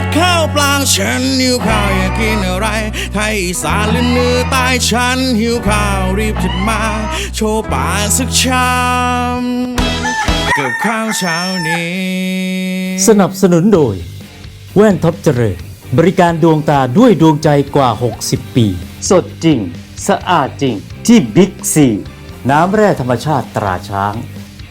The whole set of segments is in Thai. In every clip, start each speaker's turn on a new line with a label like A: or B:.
A: ข้าวปลางฉันหิวข้าวอยากกินอะไรไทยอีสานหรือเหนือใต้ฉันหิวข้าวรีบจัดมาโชว์ป่ากสักชามกับข้าวเช้านี้
B: สนับสนุนโดยแว่นท็อปเจริญบริการดวงตาด้วยดวงใจกว่า60ปีสดจริงสะอาดจริงที่บิ๊กซีน้ำแร่ธรรมชาติตราช้าง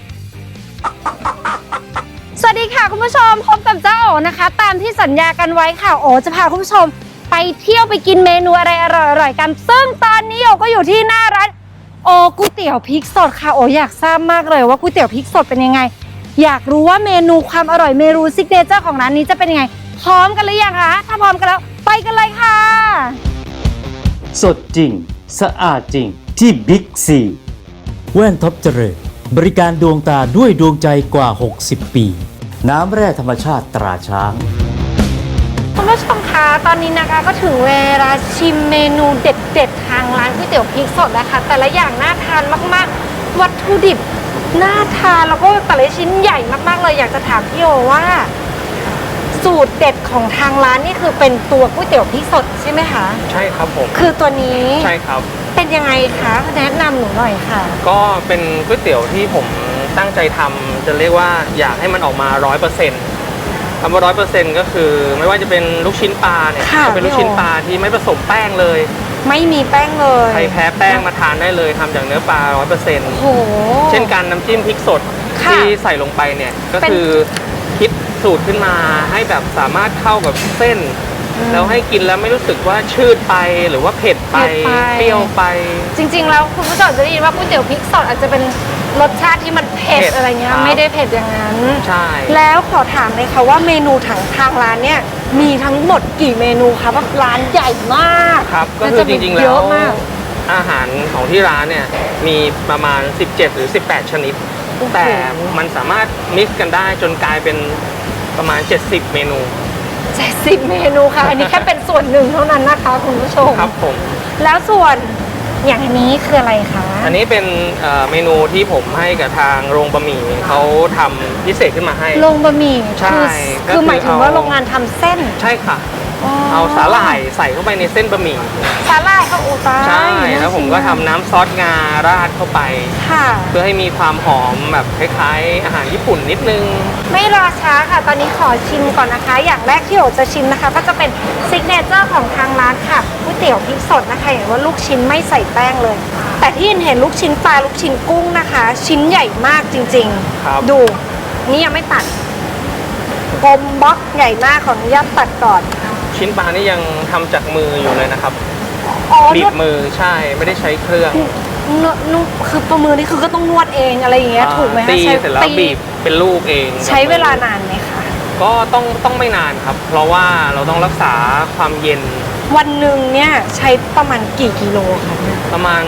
C: สวัสดีค่ะคุณผู้ชมพบกับเจ้าโอนะคะตามที่สัญญากันไว้ค่ะโอจะพาคุณผู้ชมไปเที่ยวไปกินเมนูอะไรอร่อยๆกันซึ่งตอนนี้โอก็อยู่ที่หน้าร้านโอก๋วยเตี๋ยวพริกสดค่ะโออยากทราบมากเลยว่าก๋วยเตี๋ยวพริกสดเป็นยังไงอยากรู้ว่าเมนูความอร่อยเมนูซิกเนเจอร์ของร้านนี้จะเป็นยังไงพร้อมกันหรือยังคะถ้าพร้อมกันแล้วไปกันเลยค่ะ
B: สดจริงสะอาดจริงที่บิ๊กซีแว่นท็อปเจริญบริการดวงตาด้วยดวงใจกว่า60ปีน้ำแร่ธรรมชาติตราช้าง
C: คุณผู้ชมคะตอนนี้นะคะก็ถึงเวลาชิมเมนูเด็ดๆทางร้านก๋วยเตี๋ยวพริกสดนะคะแต่ละอย่างน่าทานมากๆวัตถุดิบน่าทานแล้วก็แต่ละชิ้นใหญ่มากๆเลยอยากจะถามพี่โอว่าสูตรเด็ดของทางร้านนี่คือเป็นตัวก๋วยเตี๋ยวพริกสดใช่ไหมคะ
D: ใช่ครับผม
C: คือตัวนี้
D: ใช่ครับ
C: เป็นยังไงคะแนะนำหนูหน่อยค่ะ
D: ก็เป็นก๋วยเตี๋ยวที่ผมตั้งใจทำจะเรียกว่าอยากให้มันออกมา 100%คำว่า 100% ก็คือไม่ว่าจะเป็นลูกชิ้นปลาเนี่ยจะเป็นลูกชิ้นปลาที่ไม่ผสมแป้งเลย
C: ไม่มีแป้งเลย
D: ใครแพ้แป้งมาทานได้เลยทำจากเนื้อปลา 100%
C: โอ้
D: เช่นกันน้ำจิ้มพริกสดที่ใส่ลงไปเนี่ยก็คือคิดสูตรขึ้นมาให้แบบสามารถเข้ากับเส้นแล้วให้กินแล้วไม่รู้สึกว่าชืดไปหรือว่าเผ็ดไปเปรี้ยวไป
C: จริงๆแล้วคุณผู้ชมจะได้ยินว่าก๋วยเตี๋ยวพริกสดอาจจะเป็นรสชาติที่มันเผ็ดอะไรเงี้ยไม่ได้เผ็ดอย่างนั้น
D: ใช่
C: แล้วขอถามเลยค่ะว่าเมนูทางร้านเนี่ยมีทั้งหมดกี่เมนูคะว่าร้านใหญ่มาก
D: ครับก็คือจริงๆแล้วอาหารของที่ร้านเนี่ยมีประมาณ17หรือ18ชนิดแต่มันสามารถมิกซ์กันได้จนกลายเป็นประมาณ70เมนู
C: 70เมนูค่ะอันนี้แค่เป็นส่วนหนึ่งเท่านั้นนะคะคุณผู้ชม
D: ครับผม
C: แล้วส่วนอย่างนี้คืออะไรคะ
D: อันนี้เป็นเมนูที่ผมให้กับทางโรงบะหมี่เขาทำพิเศษขึ้นมาให้
C: โรงบะหมี่
D: ใช่
C: คือหมายถึงว่าโรงงานทำเส้น
D: ใช่ค่ะเอาสาหร่ายใส่เข้าไปในเส้นบะหมี่
C: สาหร่ายเขาตา
D: ใช่แล้วผมก็ทำน้ำซอสงาราดเข้าไปเพื่อให้มีความหอมแบบคล้ายๆอาหารญี่ปุ่นนิดนึง
C: ไม่รอช้าค่ะตอนนี้ขอชิมก่อนนะคะอย่างแรกที่โอจะชิมนะคะก็จะเป็นซิกเนเจอร์ของทางร้านค่ะก๋วยเตี๋ยวพริกสดนะคะอย่างว่าลูกชิ้นไม่ใส่แป้งเลยแต่ที่เห็นลูกชิ้นปลาลูกชิ้นกุ้งนะคะชิ้นใหญ่มากจริงๆดูนี่ยังไม่ตัดกลมบล็อกใหญ่มากขออนุญาตตัดก่อน
D: ชิ้นปลานี่ยังทำจากมืออยู่เลยนะครับบีบมือใช่ไม่ได้ใช้เครื่อง
C: คือประมือนี่คือก็ต้องนวดเองอะไรอย่างเงี้ยถูกไหมคะ
D: ตีเสร็จแล้วบีบเป็นลูกเอง
C: ใช้เวลานานไหมคะ
D: ก็ต้องไม่นานครับเพราะว่าเราต้องรักษาความเย็น
C: วันหนึ่งเนี่ยใช้ประมาณกี่กิโลคะ
D: ประมาณ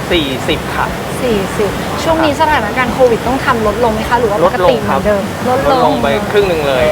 D: 40ค่ะ
C: 40ช่วงนี้สถานการณ์โควิดต้องทำลดลงไหมคะหรือว่าปกติเหมือนเดิม
D: ลดลงไปครึ่งหนึ่งเลย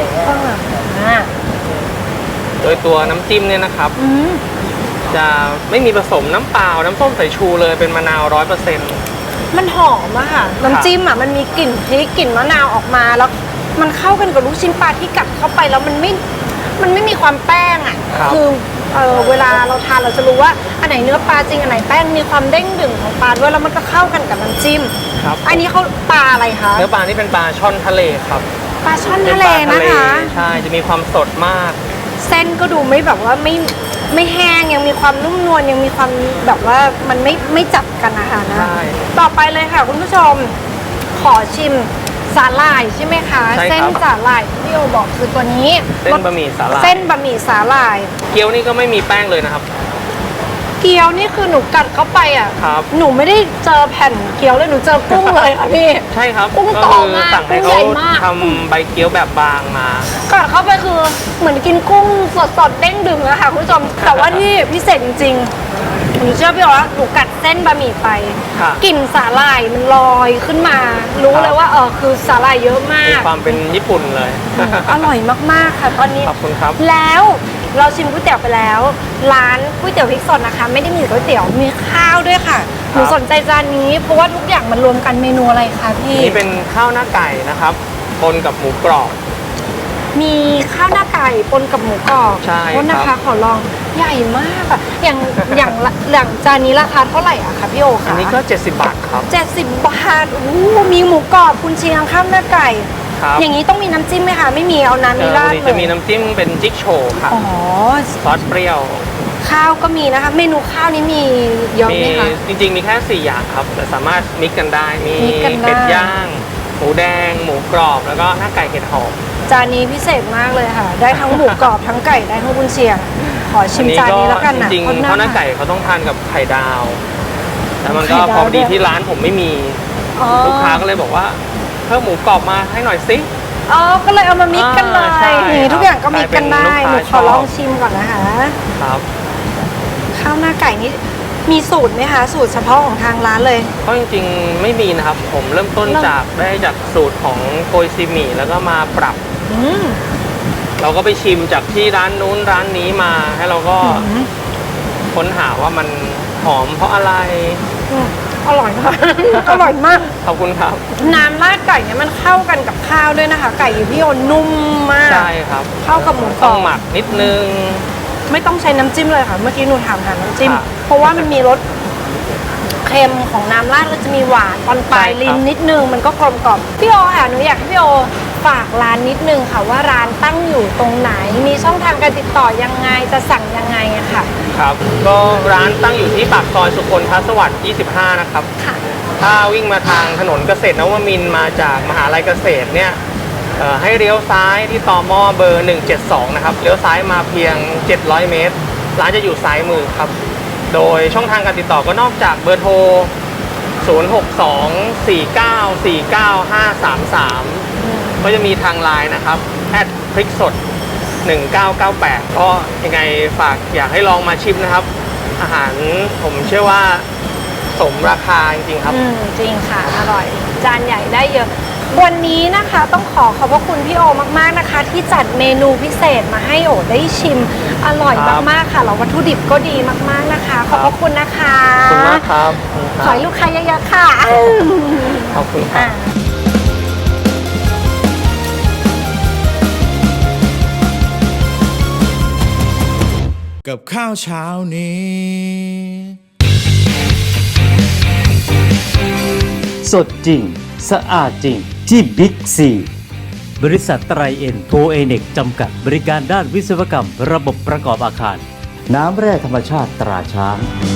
D: โดยตัวน้ำจิ้มเนี่ยนะครับจะไม่มีผสมน้ำเปล่าน้ำส้มสายชูเลยเป็นมะนาว 100%
C: มันหอมอะค่ะน้ำจิ้มอะมันมีกลิ่นพริกกลิ่นมะนาวออกมาแล้วมันเข้ากันกับลูกชิ้นปลาที่กัดเข้าไปแล้วมันไม่มีความแป้งอะคือเวลาเราทานเราจะรู้ว่าอันไหนเนื้อปลาจริงอันไหนแป้งมีความเด้งดึงของปลาด้วยแล้วมันก็เข้ากันกับน้ำจิ้มอันนี้เขาปลาอะไรคะ
D: เนื้อปลานี่เป็นปลาช่อนทะเลครับ
C: ปลาช่อนทะเลนะคะ
D: ใช่จะมีความสดมาก
C: เส้นก็ดูไม่แบบว่าไม่แห้งยังมีความนุ่มนวลยังมีความแบบว่ามันไม่จับกันนะคะนะต่อไปเลยค่ะคุณผู้ชมขอชิมสาหร่ายใช่ไหมคะเส้นสาหร่ายที่โอบอกคือตัวนี้
D: เส้นบะหมี่สาหร่าย
C: เส้นบะหมี่สาหร่าย
D: เกี๊ยวนี่ก็ไม่มีแป้งเลยนะครับ
C: เกี๊ยวนี่คือหนูกัดเข้าไปอ่ะหนูไม่ได้เจอแผ่นเกี๊ยวเลยหนูเจอกุ้งเลยค่ะพี่
D: ใช่ครับ
C: กุ้งโตมาก
D: กุ้งใหญ่มากทำใบเกี๊ยวแบบบางมา
C: กัดเข้าไปคือเหมือนกินกุ้งสดๆเด้งดึงอะค่ะคุณผู้ชมแต่ว่าที่พิเศษจริงๆหนูเชื่อพี่ว่าหนูกัดเส้นบะหมี่ไปกลิ่นสาหร่ายมันลอยขึ้นมารู้เลยว่าคือสาหร่ายเยอะมาก
D: มีความเป็นญี่ปุ่นเลย
C: อร่อยมากๆค่ะตอนนี้
D: ขอบคุณครับ
C: แล้วเราชิมก๋วยเตี๋ยวไปแล้วร้านก๋วยเตี๋ยวพริกสดนะคะไม่ได้มีก๋วยเตี๋ยวมีข้าวด้วยค่ะหนูสนใจจานนี้เพราะว่าทุกอย่างมันรวมกันเมนูอะไรคะพี่
D: นี่เป็นข้าวหน้าไก่นะครับปนกับหมูกรอบ
C: มีข้าวหน้าไก่ปนกับหมูกรอบ
D: ใช่
C: โทษนะ
D: ครั
C: คะ
D: บ
C: ขอลองใหญ่มากอะอย่างจานนี้ราคาเท่าไหร่อะคะพี่โอ
D: อั
C: คะ
D: นนี้ก็ 70 บาทครับ
C: 70 บาทโอ้โหมีหมูกรอบกุนเชียงข้าวหน้าไก่
D: ครับ
C: อย่างนี้ต้องมีน้ำจิ้มไหมคะไม่มีเอาน้ำนี้ราด
D: วันนี้
C: เล
D: จะ
C: ย
D: มีน้ำจิ้มเป็นจิ๊กโชว์ครับ
C: อ๋อ
D: ซอสเปรี้ยว
C: ข้าวก็มีนะคะ เมนูข้าวนี้มีเยอะ
D: มี
C: ไหมคะ
D: จริงๆมีแค่ 4 อย่างครับ แต่สามารถมิกกันได้ มี
C: มิกกันได้
D: เป็ดย่าง หมูแดง หมูกรอบ แล้วก็หน้าไก่เห็ดหอม
C: จานนี้พิเศษมากเลยค่ะ ได้ทั้งหมูกรอบทั้งไก่ได้ทั้งกุนเชียงขอชิมจานนี้แล้วกัน
D: จ
C: นะ
D: ริงๆข้าวหน้าไก่เขาต้องทานกับไข่ดาว แต่มันก็
C: ไข่ดาว
D: พอดี
C: ด้วย
D: ที่ร้านผมไม่มี
C: อ๋อ
D: ลูกค้าก็เลยบอกว่าเพิ่มหมูกรอบมาให้หน่อยสิ
C: อ๋อก็เลยเอามามิกกันเลย
D: ใช่
C: นี่ทุกอย่างก็มิกกันได้
D: กลายเป็น
C: หนู
D: ลูก
C: ข
D: ค้า
C: อลอง
D: ชอบ
C: ชิมก่อนนะคะ
D: ครับ
C: ข้าวหน้าไก่นี่มีสูตรไหมคะสูตรเฉพาะของทางร้านเลย
D: ก็จริงๆไม่มีนะครับ ผมเริ่มต้นจากสูตรของโกยซีหมี่แล้วก็มาปรับ
C: อืม
D: เราก็ไปชิมจากที่ร้านนู้นร้านนี้มา ให้เราก็ค้นหาว่ามันหอมเพราะอะไร
C: อืมอร่อยมาก อร่อยมาก
D: ขอบคุณครับ
C: น้ำราดไก่เนี่ยมันเข้ากันกับข้าวด้วยนะคะ ไก่อยู่พี่โอนุ่มมาก
D: ใช่ครับ
C: เข้ากับหมูกร
D: ต้
C: อ
D: อบ งหมักนิดนึง
C: ไม่ต้องใช้น้ำจิ้มเลยค่ะ เมื่อกี้หนูถามหาน้ำจิ้ม
D: ค่ะ
C: เพราะว่ามันมีรสเค็มของน้ำราดแล้วจะมีหวานตอนปลาย
D: ใช่ครับ
C: ลิ้นนิดนึงมันก็กลมกล่อมพี่โอค่ะหนูอยากให้พี่โอฝากร้านนิดนึงค่ะว่าร้านตั้งอยู่ตรงไหน มีช่องทางการติดต่อยังไงจะสั่งยังไงอะค่ะ
D: ครับ ก็ร้านตั้งอยู่ที่ปากซอยสุคนทสวัสดิ์ 25 นะครับ
C: ค่ะ
D: ถ้าวิ่งมาทางถนนเกษตรนวมินทร์มาจากมหาลัยเกษตรเนี่ยให้เลี้ยวซ้ายที่ตมเบอร์ 172 นะครับ เลี้ยวซ้ายมาเพียง 700 เมตร ร้านจะอยู่ซ้ายมือครับ โดยช่องทางการติดต่อก็นอกจากเบอร์โทร 062-4949-533 ก็จะมีทางไลน์นะครับพริกสด 1998 ก็ยังไงฝากอยากให้ลองมาชิมนะครับ อาหารผมเชื่อว่าสมราคาจริงๆครับ
C: จริงค่ะ อร่อย จานใหญ่ได้เยอะ วันนี้นะคะต้องขอบพระคุณพี่โอมากๆนะคะ ที่จัดเมนูพิเศษมาให้โอได้ชิม อร่อย
D: ครับ
C: มากๆค่ะแล้ววัตถุดิบก็ดีมากๆนะคะ ขอบพระคุณนะคะ
D: ขอบคุณมากครับ
C: ขอให้ลูกค้าเยอะๆค่ะ
D: ขอบคุณครับ
A: กับข้าวเช้านี้
B: สดจริง สะอาดจริงที่บิ๊กซีบริษัทไตรเอ็นโทเอเน็กจำกัดบริการด้านวิศวกรรมระบบประกอบอาคาร น้ำแร่ธรรมชาติตราช้าง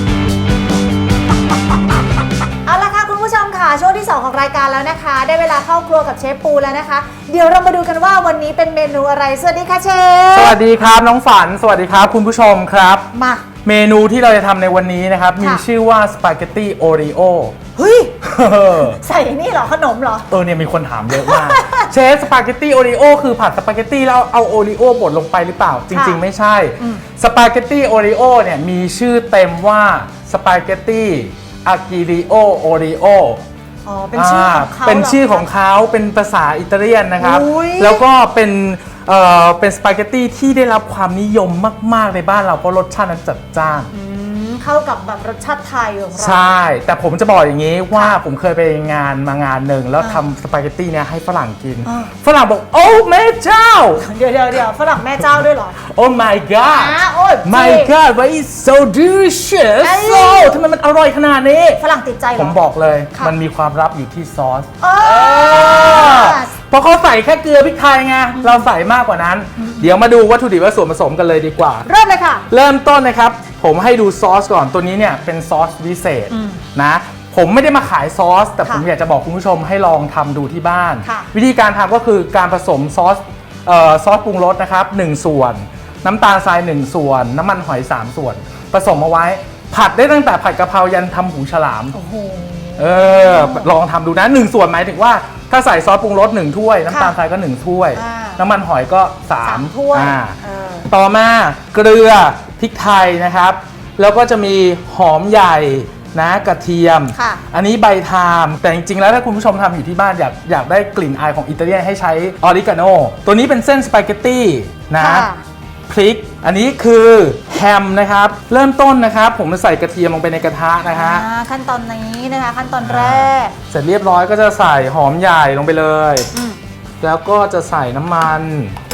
E: เอาละค่ะคุณผู้ชมค่ะช่วงที่ 2 ของรายการแล้วนะคะ ได้เวลาเข้าครัวกับเชฟปูแล้วนะคะ เดี๋ยวเรามาดูกันว่าวันนี้เป็นเมนูอะไรสวัสดีค่ะเชฟ
F: สวัสดีครับน้องฝันสวัสดีครับคุณผู้ชมครับ
E: มา
F: เมนูที่เราจะทำในวันนี้นะครับ
E: ค่ะ
F: มีชื่อว่าสปาเกตตี้โอริโอ
E: เฮ้ยใส่นี่เหรอขนมเหรอ
F: เนี่ยมีคนถามเยอะมาก เชฟสปาเกตตี้โอริโอคือผัดสปาเกตตี้แล้วเอาโอริโอบดลงไปหรือเปล่า จริง ๆ ไม่ใช่สปาเกตตี้โอริโอเนี่ยมีชื่อเต็มว่าสปาเกตตี้อากิริโอโอริโอ
E: อ๋อเป็นชื่อของเขา
F: เป็นชื่อของ
E: เหร
F: เขาเป็นภาษาอิตาเลียนนะครับ
E: อุ๊ย
F: แล้วก็เป็นสปาเกตตี้ที่ได้รับความนิยมมาก ๆ ในบ้านเราเพราะรสชาตินั้นจัดจ้าน
E: เข้ากับแบบรสชาติไทยของเรา
F: ใช่ แต่ผมจะบอกอย่างนี้ว่าผมเคยไปมางานหนึ่งแล้วทำสปาเกตตี้เนี่ยให้ฝรั่งกิน ฝรั่งบอกโอ้แม่เจ้า
E: เดี๋ยวฝรั่งแม่เจ้าด้วยเหรอ
F: Oh my god
E: โอ้ย
F: My god why is so delicious
E: เอ้ย
F: so ทำไมมันอร่อยขนาดนี้
E: ฝรั่งติดใจเหรอ
F: ผมบอกเลย
E: ค่ะ
F: มันมีความลับอยู่ที่ซอส
E: อ๋อ
F: เพราะเขาใส่แค่เกลือพริกไทยไง เราใส่มากกว่านั้น เดี๋ยวมาดูวัตถุดิบและส่วนผสมกันเลยดีกว่า
E: เริ่มเลยค่ะ
F: เริ่มต้นนะครับ ผมให้ดูซอสก่อน ตัวนี้เนี่ยเป็นซอสพิเศษนะ ผมไม่ได้มาขายซอส แต่ผม
E: ค่ะ
F: อยากจะบอกคุณผู้ชมให้ลองทำดูที่บ้าน
E: ค่ะ
F: วิธีการทำก็คือการผสมซอสปรุงรสนะครับ1ส่วน น้ำตาลทราย1ส่วน น้ำมันหอย3ส่วน ผสมเอาไว้ ผัดได้ตั้งแต่ผัดกะเพรายันทำหูฉลาม
E: โอ้โห
F: ลองทำดูนะ1ส่วนหมายถึงว่าถ้าใส่ซอสปรุงรส1ถ้วย น้ำตาลทรายก็1ถ้วย
E: อ่า
F: น้ำมันหอยก็
E: สาม
F: 3
E: ถ้วย
F: เออต่อมาเกลือพริกไทยนะครับ แล้วก็จะมีหอมใหญ่นะกระเทียม
E: ค่ะ
F: อันนี้ใบไทม์แต่จริงๆแล้วถ้าคุณผู้ชมทำอยู่ที่บ้านอยากได้กลิ่นอายของอิตาเลียนให้ใช้ออริกาโนตัวนี้เป็นเส้นสปาเกตตี้นะ
E: ค่ะ
F: พริก อันนี้คือแฮมนะครับ เริ่มต้นนะครับ ผมจะใส่กระเทียมลงไปในกระทะนะฮะ
E: ขั้นตอนนี้นะคะขั้นตอนแรก
F: เสร็จเรียบร้อยก็จะใส่หอมใหญ่ลงไปเลย แล้วก็จะใส่น้ำมัน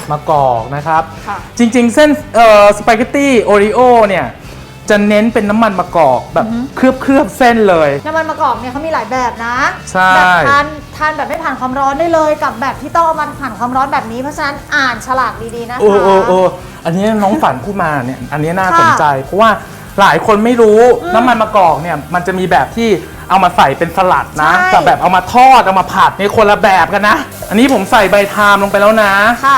F: มะกอกนะครับ
C: ค่ะ
F: จริงๆเส้นสปาเกตตี้โอริโอเนี่ยจะเน้นเป็นน้ำมันมะกอกแบบเคลือบเส้นเลย
E: น้ำมันมะกอกเนี่ยเขามีหลายแบบนะ
F: ใช่
E: แบบทานแบบไม่ผ่านความร้อนได้เลยกับแบบที่ต้องเอามาผ่านความร้อนแบบนี้เพราะฉะนั้นอ่านฉลากดีๆนะคะ
F: โอ้อันนี้น้องฝันพูดมาเนี่ยอันนี้น่า
E: ค่ะ
F: สนใจ เพราะว่าหลายคนไม่รู้น้ำมันมะกอกเนี่ยมันจะมีแบบที่เอามาใส่เป็นสลัดนะ
E: ใช่
F: กับแบบเอามาทอดเอามาผัดในคนละแบบกันนะ อันนี้ผมใส่ใบไทม์ลงไปแล้วนะ
E: ค่ะ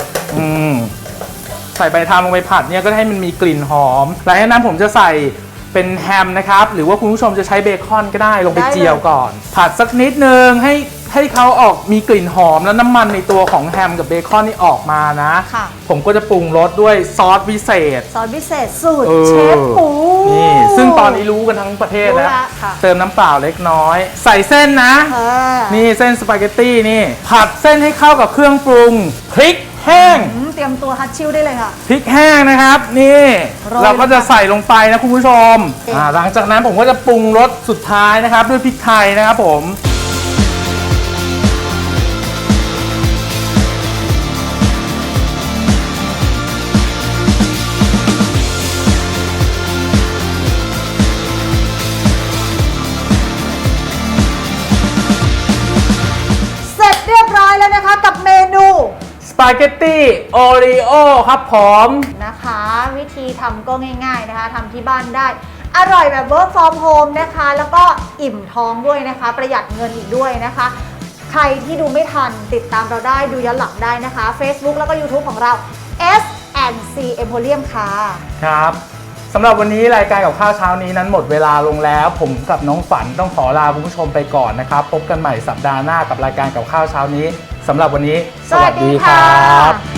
F: ใส่ใบไทม์ลงไปผัดเนี่ยก็ให้มันมีกลิ่นหอมหลังจากนั้นผมจะใส่เป็นแฮมนะครับหรือว่าคุณผู้ชมจะใช้เบคอนก็ได้ลงไป
E: ได้เลย
F: เจียวก่อน ผัดสักนิดนึงให้เขาออกมีกลิ่นหอมแล้วน้ำมันในตัวของแฮมกับเบคอนนี่ออกมานะ
E: ค่ะ
F: ผมก็จะปรุงรสด้วยซอสพิเศษ
E: ซอสพิเศษสูตร
F: เออ
E: เชฟปู
F: นี่ซึ่งตอนนี้รู้กันทั้งประเทศ
E: รู้
F: แล้ว
E: ละค่ะ
F: เติมน้ำเปล่าเล็กน้อย ใส่เส้นนะ นี่เส้นสปาเกตตี้นี่ผัดเส้นให้เข้ากับเครื่องปรุงพริกแห้ง
E: เตรียมตัวฮัตชิลได้เลยค่ะ
F: พริกแห้งนะครับนี่
E: โรย
F: เราก็จะใส่ลงไปนะคุณผู้ชม
E: โอเค
F: หลังจากนั้นผมก็จะปรุงรสสุดท้ายนะครับด้วยพริกไทยนะครับผม
E: เสร็จเรียบร้อยแล้วนะคะกับเมนู
F: สปาเกตตี้โอริโอครับผม
E: นะคะ วิธีทำก็ง่ายๆนะคะทำที่บ้านได้ อร่อยแบบ work from home นะคะ แล้วก็อิ่มท้องด้วยนะคะ ประหยัดเงินอีกด้วยนะคะ ใครที่ดูไม่ทันติดตามเราได้ดูย้อนหลังได้นะคะ Facebook แล้วก็ YouTube ของเรา S&C Emporium ค่ะ
F: ครับสำหรับวันนี้รายการกับข้าวเช้านี้นั้นหมดเวลาลงแล้ว ผมกับน้องฝันต้องขอลาคุณผู้ชมไปก่อนนะครับพบกันใหม่สัปดาห์หน้ากับรายการกับข้าวเช้านี้สำหรับวันนี้
E: สวัสดีค่ะ